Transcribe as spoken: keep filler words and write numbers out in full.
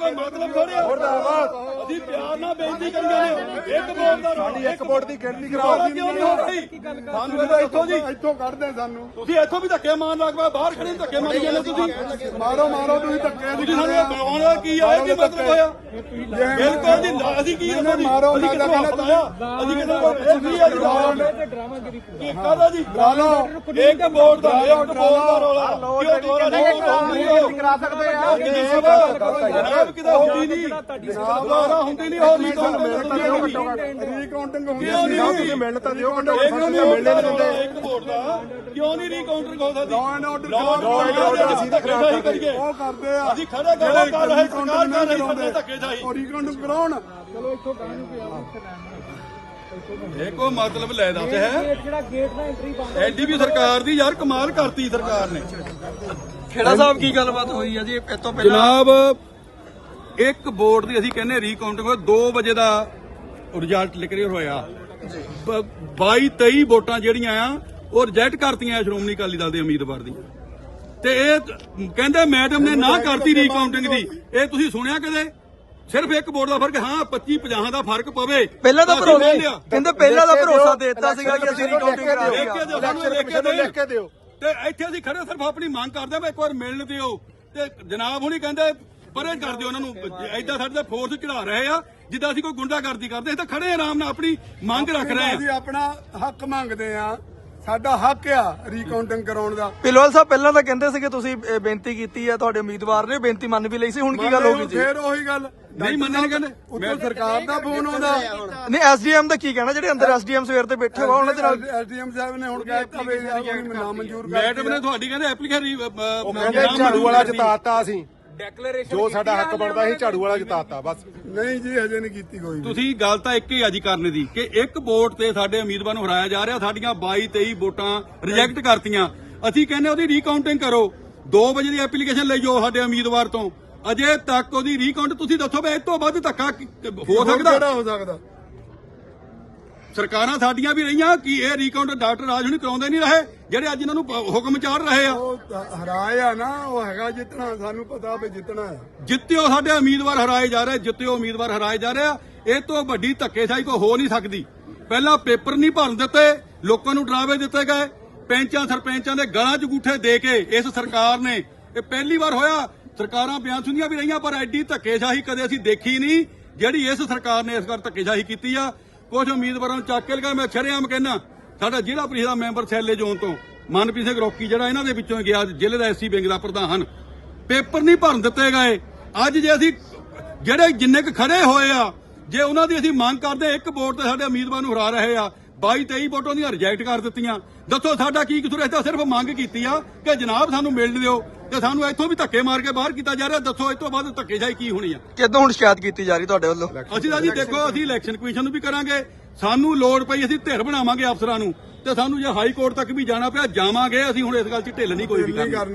ਕੋਈ ਮਤਲਬ ਥੋੜ੍ਹਾ ਅਸੀਂ ਪਿਆਰ ਨਾਲ ਬੇਨਤੀ ਕਰੀਏ ਇੱਕ ਵੋਟ ਦਾ ਸਾਡੀ ਇੱਕ ਵੋਟ ਦੀ ਗਿਣਤੀ ਕਰਾਓ। ਕਿਉਂ ਨਹੀਂ ਹੋ ਰਹੀ ਸਾਨੂੰ ਇੱਥੋਂ ਜੀ ਇੱਥੋਂ ਕੱਢਦੇ ਸਾਨੂੰ ਤੁਸੀਂ ਇੱਥੋਂ ਵੀ ਧੱਕੇ ਮਾਰਨ ਲੱਗ ਪਏ ਬਾਹਰ ਖੜੇ ਧੱਕੇ ਮਾਰੀ ਜਾਂਦੇ ਤੁਸੀਂ ਮਾਰੋ ਮਾਰੋ ਤੁਸੀਂ ਧੱਕੇ ਤੁਸੀਂ ਸਾਨੂੰ ਬੁਲਾਉਣ ਦਾ ਕੀ ਆਇਆ ਕੀ ਮਤਲਬ ਹੋਇਆ ਬਿਲਕੁਲ ਜੀ ਅਸੀਂ ਕੀ ਮਾਰੋ ਅਸੀਂ ਕਿਹਨੂੰ ਹੱਥ ਅਸੀਂ ਕਿਹਨੂੰ ਕੀ ਹੈ ਜੀ ਕੀ ਕਾਹਦਾ ਜੀ ਇੱਕ ਵੋਟ ਦਾ ਇੱਕ ਵੋਟ ਦਾ ਰੌਲਾ ਕਿਉਂ ਦੁਬਾਰਾ ਕਰਾ ਸਕਦੇ ਆ ਜਨਾਬ ਕਿਦਾ ਹੁੰਦੀ ਨਹੀਂ ਦੁਬਾਰਾ ਹੁੰਦੀ ਨਹੀਂ ਹੋਰ ਨਹੀਂ ਰੀਕਾਊਂਟਿੰਗ ਹੁੰਦੀ ਸੀ ਤੁਸੀਂ ਮਿਲਣ ਤਾਂ ਦਿਓ ਘੱਟੋ ਘੱਟ ਮਿਲਣੇ ਨਹੀਂ ਦਿੰਦੇ ਇੱਕ ਵੋਟ ਦਾ ਕਿਉਂ ਨਹੀਂ ਰੀਕਾਊਂਟਿੰਗ ਹੋ ਸਕਦੀ ਲਾਅ ਐਂਡ ਆਰਡਰ ਅਸੀਂ ਧੱਕੇਸ਼ਾਹੀ ਕਰੀਏ ਉਹ ਕਰਦੇ ਆ ਅਸੀਂ ਖੜੇ ਕਰੋ ਕਰ ਰਹੇ ਸਰਕਾਰ ਕਰ ਰਹੀ ਸਾਡੇ ਧੱਕੇਸ਼ਾਹੀ ਉਹ ਰੀਕਾਊਂਟਿੰਗ ਕਰਾਉਣ। ਚਲੋ ਇੱਥੋਂ ਕਾਹਨੂੰ ਪਿਆ ਇਹ ਕੋਈ ਮਤਲਬ ਲੈ ਦੱਸ ਹੈ ਜਿਹੜਾ ਗੇਟ ਦਾ ਐਂਟਰੀ ਬੰਦ ਐਡੀ ਵੀ ਸਰਕਾਰ ਦੀ ਯਾਰ ਕਮਾਲ ਕਰਤੀ ਸਰਕਾਰ ਨੇ। ਖੇੜਾ ਸਾਹਿਬ ਕੀ ਗੱਲਬਾਤ ਹੋਈ ਹੈ ਜੀ ਇਹ ਤੋਂ ਪਹਿਲਾਂ? ਜਨਾਬ ਇੱਕ ਵੋਟ ਦੀ ਅਸੀਂ ਕਹਿੰਦੇ ਰੀਕਾਊਂਟਿੰਗ ਹੋਇਆ ਦੋ ਵਜੇ ਦਾ ਰਿਜ਼ਲਟ ਕਲੀਅਰ ਹੋਇਆ ਬਾਈ ਤੇਈ ਵੋਟਾਂ ਜਿਹੜੀਆਂ ਆ ਉਹ ਰਿਜੈਕਟ ਕਰਤੀਆਂ ਸ਼੍ਰੋਮਣੀ ਅਕਾਲੀ ਦਲ ਦੇ ਉਮੀਦਵਾਰ ਦੀਆਂ ਤੇ ਇਹ ਕਹਿੰਦੇ ਮੈਡਮ ਨੇ ਨਾ ਕਰਤੀ ਰੀਕਾਊਂਟਿੰਗ ਦੀ। ਇਹ ਤੁਸੀਂ ਸੁਣਿਆ ਕਦੇ? ਸਿਰਫ ਇੱਕ ਵੋਟ ਦਾ ਫਰਕ ਹਾਂ ਪੱਚੀ ਪੰਜਾਹ ਦਾ ਫਰਕ ਪਵੇ ਪਹਿਲਾਂ ਤਾਂ ਭਰੋਸਾ ਕਹਿੰਦੇ ਪਹਿਲਾਂ ਦਾ ਭਰੋਸਾ ਦੇ ਦਿੱਤਾ ਸੀਗਾ ਕਿ ਅਸੀਂ ਰੀਕਾਊਂਟਿੰਗ ਕਰਾ ਲਿਖ ਕੇ ਦਿਓ ਸਾਨੂੰ ਲਿਖ ਕੇ ਲਿਖ ਕੇ ਦਿਓ ਤੇ ਇੱਥੇ ਅਸੀਂ ਖੜੇ ਸਿਰਫ ਆਪਣੀ ਮੰਗ ਕਰਦੇ ਆ ਇੱਕ ਵਾਰ ਮਿਲਣ ਦਿਓ ਤੇ ਜਨਾਬ ਹੁਣੀ ਕਹਿੰਦੇ ਪਰੇ ਕਰ ਦਿਓ ਉਹਨਾਂ ਨੂੰ ਏਦਾਂ ਸਾਡੇ ਤੇ ਫੋਰਸ ਚੜਾ ਰਹੇ ਆ ਜਿੱਦਾਂ ਅਸੀਂ ਕੋਈ ਗੁੰਡਾਗਰਦੀ ਕਰਦੇ ਅਸੀਂ ਤਾਂ ਖੜੇ ਆਰਾਮ ਨਾਲ ਆਪਣੀ ਮੰਗ ਰੱਖ ਰਹੇ ਅਸੀਂ ਆ। ਆਪਣਾ ਹੱਕ ਮੰਗਦੇ ਆ ਸਾਡਾ ਹੱਕ ਆ ਰੀਕਾਊਂਟਿੰਗ ਕਰਾਉਣ ਦਾ। ਪਿਲਵਾਲ ਸਾਹਿਬ ਪਹਿਲਾਂ ਤਾਂ ਕਹਿੰਦੇ ਸੀ ਕਿ ਤੁਸੀਂ ਇਹ ਬੇਨਤੀ ਕੀਤੀ ਹੈ ਤੁਹਾਡੇ ਉਮੀਦਵਾਰ ਨੇ ਬੇਨਤੀ ਮੰਨ ਵੀ ਲਈ ਸੀ ਹੁਣ ਕੀ ਗੱਲ ਹੋ ਗਈ ਜੀ? ਫੇਰ ਉਹੀ ਗੱਲ ਨਹੀਂ ਮੰਨਣ ਕਹਿੰਦੇ ਉੱਤੋਂ ਸਰਕਾਰ ਦਾ ਫੋਨ ਆਉਂਦਾ ਨਹੀਂ ਐਸਡੀਐਮ ਦਾ ਕੀ ਕਹਿਣਾ ਜਿਹੜੇ ਅੰਦਰ ਐਸਡੀਐਮ ਸਵੇਰ ਤੇ ਬੈਠੇ ਹੋ ਉਹਨਾਂ ਦੇ ਨਾਲ ਐਸਡੀਐਮ ਸਾਹਿਬ ਨੇ ਹੁਣ ਕਹਿ ਦਿੱਤਾ ਵੀ ਨਾ ਮਨਜ਼ੂਰ ਕਰ ਮੈਡਮ ਨੇ ਤੁਹਾਡੀ ਕਹਿੰਦੇ ਐਪਲੀਕੇਸ਼ਨ ਝਾੜੂ ਵਾਲਾ ਜਿਤਾਤਾ ਅਸੀਂ ਜੋ ਸਾਡਾ ਹੱਕ ਬਣਦਾ ਸੀ ਝਾੜੂ ਵਾਲਾ ਜਿਤਾਤਾ ਬਸ। ਨਹੀਂ ਜੀ ਹਜੇ ਨਹੀਂ ਕੀਤੀ ਕੋਈ। ਤੁਸੀਂ ਗੱਲ ਤਾਂ ਇੱਕ ਹੀ ਆ ਜੀ ਕਰਨ ਦੀ ਕਿ ਇੱਕ ਵੋਟ ਤੇ ਸਾਡੇ ਉਮੀਦਵਾਰ ਨੂੰ ਹਰਾਇਆ ਜਾ ਰਿਹਾ ਸਾਡੀਆਂ ਬਾਈ ਤੇਈ ਵੋਟਾਂ ਰਿਜੈਕਟ ਕਰਤੀਆਂ। ਅਸੀਂ ਕਹਿੰਦੇ ਉਹਦੀ ਰੀਕਾਊਂਟਿੰਗ ਕਰੋ ਦੋ ਵਜੇ ਦੀ ਐਪਲੀਕੇਸ਼ਨ ਲਈ ਜਾਓ ਸਾਡੇ ਉਮੀਦਵਾਰ ਤੋਂ ਅਜੇ ਤੱਕ ਉਹਦੀ ਰੀਕਾਊਂਟ ਤੁਸੀਂ ਦੱਸੋ ਵੀ ਇਸ ਤੋਂ ਵੱਧ ਧੱਕਾ ਹੋ ਸਕਦਾ? ਕਿਹੜਾ ਹੋ ਸਕਦਾ? ਸਰਕਾਰਾਂ ਸਾਡੀਆਂ ਵੀ ਰਹੀਆਂ ਕਿ ਇਹ ਰੀਕਾਊਂਟ ਡਾਕਟਰ ਰਾਜ ਹੁਣੀ ਕਰਾਉਂਦੇ ਨਹੀਂ ਰਹੇ ਜਿਹੜੇ ਅੱਜ ਇਹਨਾਂ ਨੂੰ ਹੁਕਮ ਚਾੜ ਰਹੇ ਆ। ਉਹ ਹਰਾਏ ਆ ਨਾ ਉਹ ਹੈਗਾ ਜਿੱਤਣਾ ਸਾਨੂੰ ਪਤਾ ਵੀ ਜਿੱਤਣਾ ਆ। ਜਿੱਤਿਓ ਸਾਡੇ ਉਮੀਦਵਾਰ ਹਰਾਏ ਜਾ ਰਹੇ ਜਿੱਤਿਓ ਉਮੀਦਵਾਰ ਹਰਾਏ ਜਾ ਰਹੇ ਆ। ਇਹ ਤੋਂ ਵੱਡੀ ਧੱਕੇਸ਼ਾਹੀ ਕੋਈ ਹੋ ਨਹੀਂ ਸਕਦੀ। ਪਹਿਲਾਂ ਪੇਪਰ ਨਹੀਂ ਭਰਨ ਦਿੱਤੇ ਲੋਕਾਂ ਨੂੰ ਡਰਾਵੇ ਦਿੱਤੇ ਗਏ ਪੈਂਚਾਂ ਸਰਪੰਚਾਂ ਦੇ ਗਲਾਂ 'ਚ ਅੰਗੂਠੇ ਦੇ ਕੇ ਇਸ ਸਰਕਾਰ ਨੇ ਇਹ ਪਹਿਲੀ ਵਾਰ ਹੋਇਆ। ਸਰਕਾਰਾਂ ਬਿਆਨ ਸੁਣੀਆਂ ਵੀ ਰਹੀਆਂ ਪਰ ਐਡੀ ਧੱਕੇਸ਼ਾਹੀ ਕਦੇ ਅਸੀਂ ਦੇਖੀ ਨਹੀਂ ਜਿਹੜੀ ਇਸ ਸਰਕਾਰ ਨੇ ਇਸ ਵਾਰ ਧੱਕੇਸ਼ਾਹੀ ਕੀਤੀ ਆ। ਕੁਝ ਉਮੀਦਵਾਰਾਂ ਨੂੰ ਚੱਕ ਕੇ ਲਗਾ ਮੈਂ ਸ਼ਰੇਆਮ ਕਹਿਣਾ ਸਾਡਾ ਜ਼ਿਲ੍ਹਾ ਪ੍ਰੀਸ਼ਦ ਦਾ ਮੈਂਬਰ ਸੈਲੇ ਜ਼ੋਨ ਤੋਂ ਮਨਪ੍ਰੀਤ ਸਿੰਘ ਰੋਕੀ ਜਿਹੜਾ ਇਹਨਾਂ ਦੇ ਵਿੱਚੋਂ ਗਿਆ ਜ਼ਿਲ੍ਹੇ ਦਾ ਐਸਸੀ ਵਿੰਗ ਦਾ ਪ੍ਰਧਾਨ ਪੇਪਰ ਨਹੀਂ ਭਰਨ ਦਿੱਤੇ ਗਏ। ਅੱਜ ਜੇ ਅਸੀਂ ਜਿਹੜੇ ਜਿੰਨੇ ਕੁ ਖੜੇ ਹੋਏ ਆ ਜੇ ਉਹਨਾਂ ਦੀ ਅਸੀਂ ਮੰਗ ਕਰਦੇ ਇੱਕ ਵੋਟ ਤੇ ਸਾਡੇ ਉਮੀਦਵਾਰ ਨੂੰ ਹਰਾ ਰਹੇ ਆ ਬਾਈ ਤੇਈ ਵੋਟਾਂ ਦੀਆਂ ਰਿਜੈਕਟ ਕਰ ਦਿੱਤੀਆਂ। ਦੱਸੋ ਸਾਡਾ ਕੀ ਕਸੂਰ? ਅਸੀਂ ਤਾਂ ਸਿਰਫ ਮੰਗ ਕੀਤੀ ਆ ਕਿ ਜਨਾਬ ਸਾਨੂੰ ਮਿਲਣ ਦਿਓ ਤੇ ਸਾਨੂੰ ਇੱਥੋਂ ਵੀ ਧੱਕੇ ਮਾਰ ਕੇ ਬਾਹਰ ਕੀਤਾ ਜਾ ਰਿਹਾ। ਦੱਸੋ ਇਸ ਤੋਂ ਬਾਅਦ ਧੱਕੇਸ਼ਾਹੀ ਕੀ ਹੋਣੀ ਆ? ਕਿਦੋਂ ਹੁਣ ਸ਼ਿਕਾਇਤ ਕੀਤੀ ਜਾ ਰਹੀ ਤੁਹਾਡੇ ਵੱਲੋਂ? ਅਸੀਂ ਤਾਂ ਜੀ ਦੇਖੋ ਅਸੀਂ ਇਲੈਕਸ਼ਨ ਕਮਿਸ਼ਨ ਨੂੰ ਵੀ ਕਰਾਂਗੇ ਸਾਨੂੰ ਲੋੜ ਪਈ ਅਸੀਂ ਧਿਰ ਬਣਾਵਾਂਗੇ ਅਫਸਰਾਂ ਨੂੰ ਤੇ ਸਾਨੂੰ ਜੇ ਹਾਈ ਕੋਰਟ ਤੱਕ ਵੀ ਜਾਣਾ ਪਿਆ ਜਾਵਾਂਗੇ। ਅਸੀਂ ਹੁਣ ਇਸ ਗੱਲ 'ਚ ਢਿੱਲ ਨਹੀਂ ਕੋਈ ਵੀ ਕਰਨੀ।